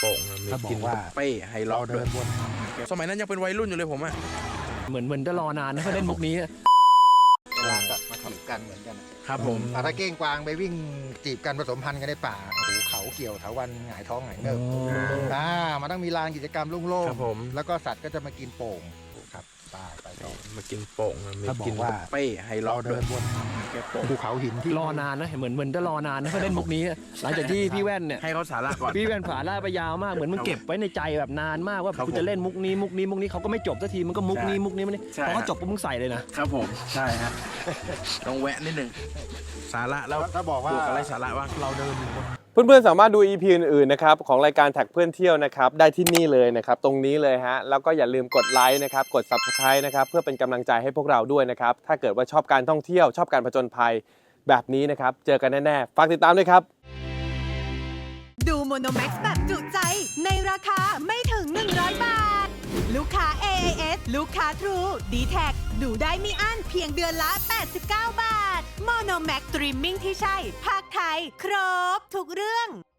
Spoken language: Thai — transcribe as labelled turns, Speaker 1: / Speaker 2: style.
Speaker 1: โป่งมีกินเป้ไฮล็อกด้วยสมัยนั้นยังเป็นวัยรุ่นอยู่เลยผมอะ
Speaker 2: เหมือนจะรอนานนะเพื่อเล่นมุกนี้
Speaker 3: เวลาก็มาจีบกันเหมือนกัน
Speaker 1: ครับผม
Speaker 3: ถ้าเก้งกวางไปวิ่งจีบกันผสมพันธุ์กันในป่าโอ้โหเขาเกี่ยวเถาวัลย์หงายท้องหงายเงิบมันต้องมีลานกิจกรรมโล่งๆแล้วก็สัตว์ก็จะมากินโป่งครับไปต่อ
Speaker 1: มากินโป่งมีกินเป้ไฮล็อก
Speaker 3: เดินบนภูเขาหินที่
Speaker 2: รอนานนะเหมือนจะรอนานนะเพื่อเล่นมุกนี้หลังจากที่พี่แว่นเนี่ย
Speaker 1: ให้เขาสาระก่อน
Speaker 2: พี่แว่นผ่าล่าไปยาวมากเหมือนมันเก็บไว้ในใจแบบนานมากว่าคุณจะเล่นมุกนี้เขาก็ไม่จบสักทีมันก็มุกนี้พอเขาจบปุ๊บมึงใส่เลยนะครับ
Speaker 1: ผมใช่ฮะต้องแวะนิดนึงสาระแล้ว
Speaker 3: ถ้าบอกว่า
Speaker 1: อะไรสาระว่าเราเดิน
Speaker 4: เพื่อนๆสามารถดู EP อื่นๆนะครับของรายการแท็กเพื่อนเที่ยวนะครับได้ที่นี่เลยนะครับตรงนี้เลยฮะแล้วก็อย่าลืมกดไลค์นะครับกด Subscribe นะครับเพื่อเป็นกำลังใจให้พวกเราด้วยนะครับถ้าเกิดว่าชอบการท่องเที่ยวชอบการผจญภัยแบบนี้นะครับเจอกันแน่ๆฝากติดตามด้วยครับ
Speaker 5: ดูโมโนแม็กซ์แบบจุใจในราคาไม่ถึง100 บาทลูกค้า AIS ลูกค้า True D-Tag ดูได้ไม่อั้นเพียงเดือนละ89 บาทโมโนแม็กซ์สตรีมมิ่งที่ใช่ภาคไทยครบทุกเรื่อง